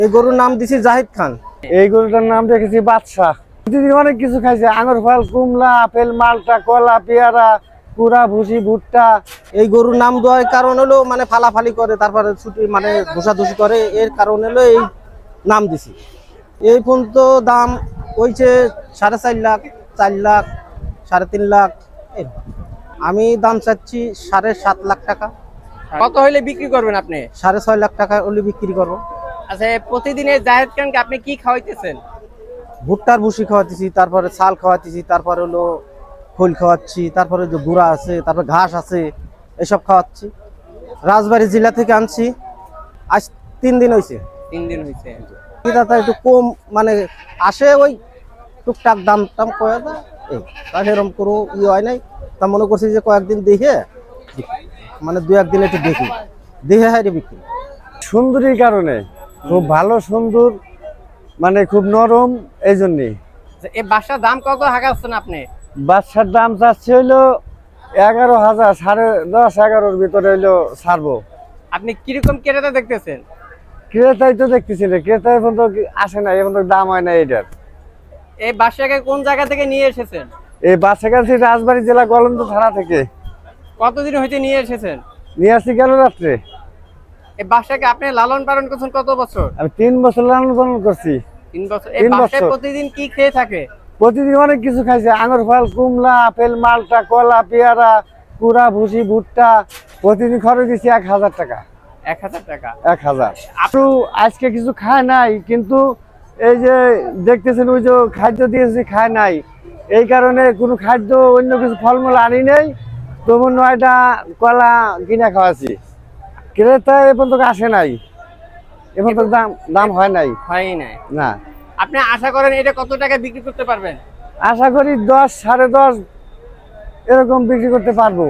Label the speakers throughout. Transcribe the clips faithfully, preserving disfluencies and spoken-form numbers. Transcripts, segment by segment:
Speaker 1: এই গরুর নাম দিছি জাহিদ খান।
Speaker 2: এই গরুটার নাম রেখেছি বাদশাহ। প্রতিদিন অনেক কিছু খাইছে, আঙুর ফল, কুমলা, আপেল, মালটা, কলা, পেয়ারা, কুড়া, ভুসি, ভুট্টা।
Speaker 1: এই গরুর নাম দেওয়ার কারণ হলো মানে ফালাফালি করে, তারপরে ছুটি মানে ধুষাধুষি করে, এর কারণ হলো এই নাম দিছি। এই পর্যন্ত দাম হয়েছে সাড়ে চার লাখ, চার লাখ, সাড়ে তিন লাখ। এই আমি দাম চাচ্ছি সাড়ে সাত লাখ টাকা।
Speaker 3: কত হইলে বিক্রি করবেন আপনি?
Speaker 1: সাড়ে ছয় লাখ টাকা হলে বিক্রি করবো।
Speaker 3: আচ্ছা, প্রতিদিনের জাহেদ খানকে আপনি কি খাওয়াইতেছেন?
Speaker 1: ভুট্টার ভুসি খাওয়াতেছি, তারপরে চাল খাওয়াতেছি, তারপরে হলো খোল খাওয়াচ্ছি, তারপরে যে গুঁড়া আছে, তারপরে ঘাস আছে, এসব খাওয়াচ্ছি। রাজবাড়ী জেলা থেকে আনছি, আজ তিন দিন হয়েছে।
Speaker 3: তিন দিন হয়েছে।
Speaker 1: দাদা একটু কম মানে আসে, ওই টুকটাক দাম টাম কয়ে দেয়, এই তার এরকম কোনো ই হয় নাই। তা মনে করছি যে কয়েকদিন দেখে মানে দু একদিন একটু দেখি দেখে হাই রে বিক্রি।
Speaker 2: সুন্দরীর কারণে খুব ভালো, সুন্দর, মানে খুব নরম, এই জন্যে।
Speaker 3: এই বাসার দাম কত হাঁকাচ্ছেন আপনি?
Speaker 2: বাচ্চার দাম চাচ্ছে হইলো এগারো হাজার, সাড়ে দশ এগারোর ভিতরে হইলো ছাড়বো।
Speaker 3: আপনি কিরকম ক্রেতা দেখতেছেন?
Speaker 2: ক্রেতাই তো দেখতেছি না, ক্রেতা এখন তো আসে না, এখন তো দাম হয় না এটার।
Speaker 3: এই বাসাকে কোন জায়গা থেকে নিয়ে এসেছেন?
Speaker 2: এই বাচ্চা কাছে রাজবাড়ী জেলা গলন্দ থানা থেকে
Speaker 3: কতদিন হইতে নিয়ে এসেছেন?
Speaker 2: নিয়ে আসছি গেল রাত্রে।
Speaker 3: এই বাসাকে আপনি লালন পালন করছেন কত বছর?
Speaker 2: আমি তিন বছর লালন পালন করছি।
Speaker 3: তিন বছর। এই
Speaker 2: তিন
Speaker 3: বাসায়
Speaker 2: বছর।
Speaker 3: প্রতিদিন কি খেয়ে থাকে?
Speaker 2: প্রতিদিন অনেক কিছু খাইছে, আঙুর ফল, কুমলা, আপেল, মালটা, কলা, পেয়ারা, কুড়া, ভুসি, ভুট্টা। প্রতিদিন খরচ দিচ্ছি এক হাজার টাকা।
Speaker 3: এক হাজার টাকা।
Speaker 2: এক হাজার। আপনি আজকে কিছু খায় নাই, কিন্তু এই যে দেখতেছেন ওই যে খাদ্য দিয়েছি খায় নাই, এই কারণে কোনো খাদ্য অন্য কিছু ফলমূল আনি নেই। তবু নয়টা কলা কিনে খাওয়াছি, ক্রেতা এ পর্যন্ত আসে নাই, এ পর্যন্ত দাম দাম হয় নাই।
Speaker 3: হয় নাই।
Speaker 2: না,
Speaker 3: আপনি আশা করেন এটা কত টাকা বিক্রি করতে পারবেন?
Speaker 2: আশা করি দশ সাড়ে দশ এরকম বিক্রি করতে পারবো।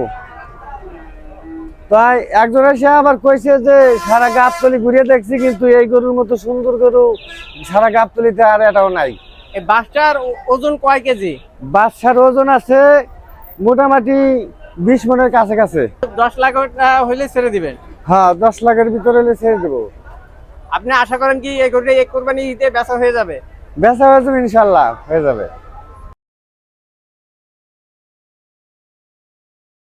Speaker 2: তাই একজন এসে আবার কইছে যে সারা গাবতলি ঘুরিয়ে দেখছি, কিন্তু এই গরুর মতো সুন্দর গরু সারা গাবতলিতে আর এটাও নাই।
Speaker 3: এই বাসটার ওজন কয় কেজি?
Speaker 2: বাচ্চার ওজন আছে মোটামুটি বিশ মনের কাছে কাছে।
Speaker 3: দশ লাখ টাকা হইলে ছেড়ে দিবেন?
Speaker 2: হ্যাঁ, দশ লাখের ভিতরে হলে ছেড়ে দেবো।
Speaker 3: আপনি আশা করেন কি এই গরুটা এক কোরবানি ঈদে বেচা হয়ে যাবে?
Speaker 2: বেচা হয়ে যাবে, ইনশাল্লাহ হয়ে যাবে।